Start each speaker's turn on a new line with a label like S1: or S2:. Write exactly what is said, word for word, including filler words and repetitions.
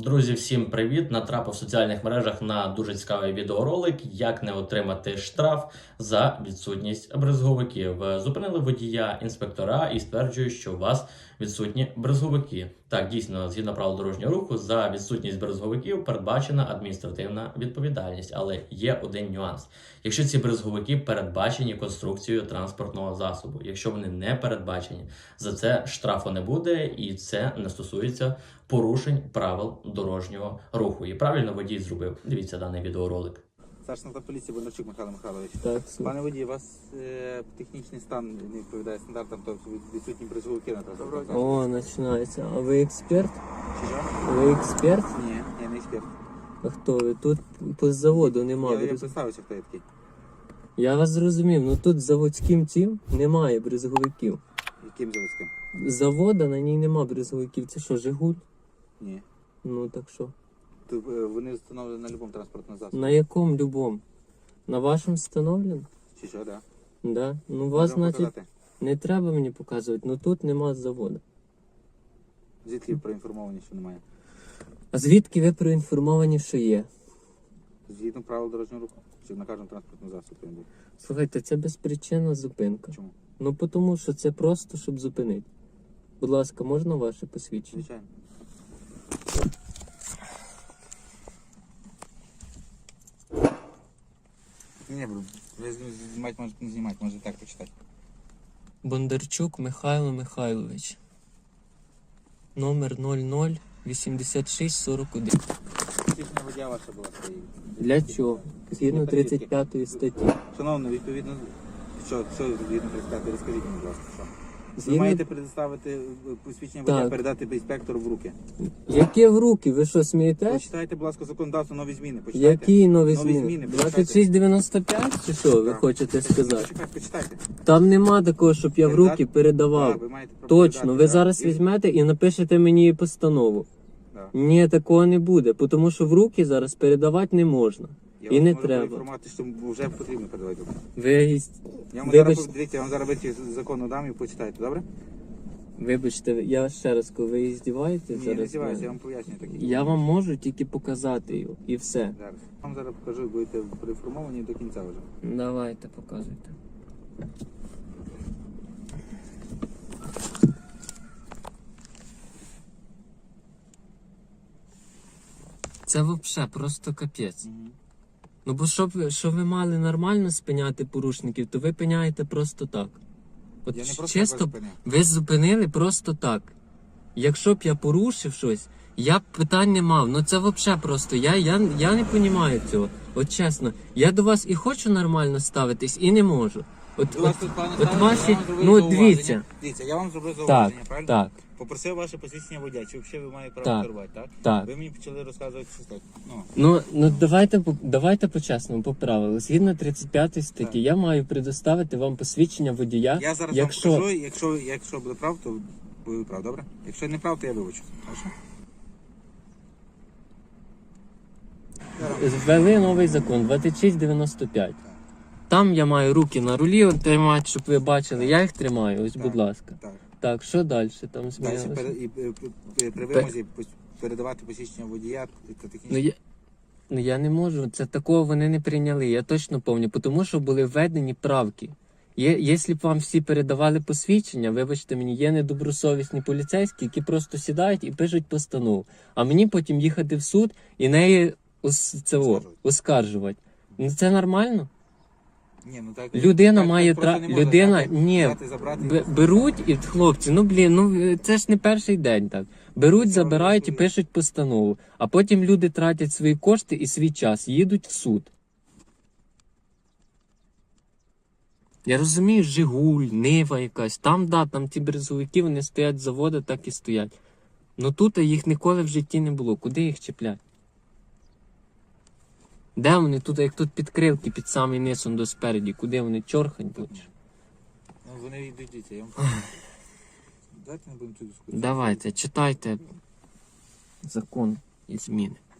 S1: Друзі, всім привіт! Натрапив в соціальних мережах на дуже цікавий відеоролик, як не отримати штраф за відсутність брезговиків. Зупинили водія інспектора і стверджують, що у вас відсутні брезговики. Так, дійсно, згідно правил дорожнього руху, за відсутність брезговиків передбачена адміністративна відповідальність. Але є один нюанс. Якщо ці брезговики передбачені конструкцією транспортного засобу, якщо вони не передбачені, за це штрафу не буде і це не стосується порушень правил дорожнього руху. І правильно водій зробив. Дивіться даний відеоролик.
S2: Старший поліції Бондарчук Михайло Михайлович.
S3: Так,
S2: Пане водій, у вас е, технічний стан не відповідає стандартам, тобто відсутні брезговики на транспортному.
S3: О, починається. А ви експерт?
S2: Чи що?
S3: Ви експерт?
S2: Ні, я не експерт.
S3: А хто ви? Тут по заводу немає.
S2: Я, я
S3: брез-
S2: представився, хто я такий.
S3: Я вас зрозумів, ну тут заводським цим немає брезговиків.
S2: Яким заводським?
S3: Завода на ній нема брезговиків. Це що, Жигуль?
S2: Ні.
S3: Ну так що?
S2: То, е, вони встановлені на будь-якому транспортному засобі.
S3: На якому любому? На вашому встановлено?
S2: Чи що, так?
S3: Да. Ну вас,
S2: Можемо
S3: значить,
S2: показати?
S3: не треба мені показувати, ну тут нема заводу.
S2: Звідки ви проінформовані, що немає?
S3: А звідки ви проінформовані, що є?
S2: Згідно правил дорожнього руху. Чи на кожному транспортному засобі він був.
S3: Слухайте, це безпричинна зупинка.
S2: Чому?
S3: Ну тому що це просто, щоб зупинити. Будь ласка, можна ваше посвідчення?
S2: Звичайно. Ні, бро, ви знімати можете не знімати, можете так почитати.
S3: Бондарчук Михайло Михайлович. Номер нуль нуль вісімдесят шість сорок один.
S2: Технічна водія ваша була своєю.
S3: Для чого? Згідно тридцять п'ятої статті.
S2: Шановно, відповідно, що, що згідно тридцять п'ятої, розкажіть мені, будь ласка, що? Ви
S3: Згідно...
S2: маєте предоставити посвідчення водія,
S3: Так.
S2: передати інспектору в руки.
S3: Яке в руки? Ви що, смієтесь?
S2: Почитайте, будь ласка, законодавство, нові зміни. Почитайте.
S3: Які нові
S2: Нові
S3: зміни?
S2: зміни,
S3: двадцять шість дев'яносто п'ять чи що ви
S2: Так.
S3: хочете сказати?
S2: Почекайте, почитайте.
S3: Там нема такого, щоб я в руки передавав.
S2: Так, ви маєте право
S3: Точно,
S2: передати,
S3: ви
S2: так.
S3: зараз
S2: І-
S3: візьмете і напишете мені постанову.
S2: Так.
S3: Ні, такого не буде, тому що в руки зараз передавати не можна.
S2: Я
S3: І
S2: вас
S3: не
S2: можу
S3: треба.
S2: поінформувати, що вже потрібно передавати.
S3: Ви,
S2: Я вам
S3: Вибач-
S2: зараз, дивіться, я вам зараз витяг закону дам і почитайте, добре?
S3: вибачте, я ще раз кажу, ви здіваєтесь
S2: Ні,
S3: зараз?
S2: не здіваюся, я вам пояснюю такі.
S3: Я вам можу тільки показати його, і все.
S2: Зараз. Я вам зараз покажу, будете проінформовані до кінця вже.
S3: Давайте, показуйте. Це взагалі просто капець.
S2: Угу.
S3: Ну бо щоб ви, щоб ви мали нормально спиняти порушників, то ви пиняєте просто так. От
S2: Я не просто
S3: чисто,
S2: так зупиняв.
S3: ви зупинили просто так. Якщо б я порушив щось, я б питань не мав. Ну це взагалі просто. Я, я, я не розумію цього. От чесно, я до вас і хочу нормально ставитись, і не можу. От,
S2: Будь ласка,
S3: от,
S2: пане
S3: от
S2: Ставлю,
S3: ваші,
S2: я вам зробив
S3: ну от
S2: зауваження.
S3: дивіться.
S2: Дивіться, я вам зробив
S3: Так,
S2: зауваження, правильно?
S3: так,
S2: Попросив ваше посвідчення водія, чи взагалі ви маєте право
S3: Так.
S2: керувати, так?
S3: так.
S2: Ви мені почали розказувати, що так. Ну,
S3: Ну, ну давайте, по- давайте по-чесному, по правилу. Згідно тридцять п'ятої статті,
S2: Так.
S3: я маю предоставити вам посвідчення водія.
S2: я зараз
S3: якщо-
S2: вам покажу, якщо, якщо буде прав, то буде прав, добре? Якщо не прав, то я вибачу. Хорошо?
S3: Ввели новий закон двадцять шість дев'яносто п'ять. Там я маю руки на рулі от тримати, щоб ви бачили. Я їх тримаю, ось,
S2: Так.
S3: будь ласка.
S2: Так.
S3: Так, що далі? Там
S2: Далі
S3: змінилося?
S2: пере, і, е, при- при вимозі пос- передавати посвідчення водія та
S3: Ну
S2: технічні.
S3: я, ну я не можу, це такого вони не прийняли, я точно пам'ятаю, тому що були введені правки. Є, якщо б вам всі передавали посвідчення, вибачте мені, є недобросовісні поліцейські, які просто сідають і пишуть постанову. А мені потім їхати в суд і неї ос, це, о,
S2: Оскаржувати.
S3: оскаржувати. Ну це нормально?
S2: Ні, ну так,
S3: Людина
S2: так-
S3: має
S2: так просто
S3: тра-
S2: не можна
S3: людина-
S2: взяти,
S3: ні,
S2: взяти, забрати і
S3: Б- беруть і хлопці, ну блін, ну це ж не перший день так. Беруть,
S2: Це
S3: забирають і
S2: вони
S3: пишуть постанову. А потім люди тратять свої кошти і свій час, їдуть в суд. Я розумію, Жигуль, Нива якась. Там, да, там ті брезовики, вони стоять з заводу, так і стоять. Ну тут їх ніколи в житті не було. Куди їх чіплять? Де вони тут, як тут підкрилки під самий низ, он до спереді, куди вони чорхать будуть?
S2: Ну, вони йдуть, дивіться, я вам... Давайте не будемо тут дискутувати.
S3: Давайте, читайте закон і зміни.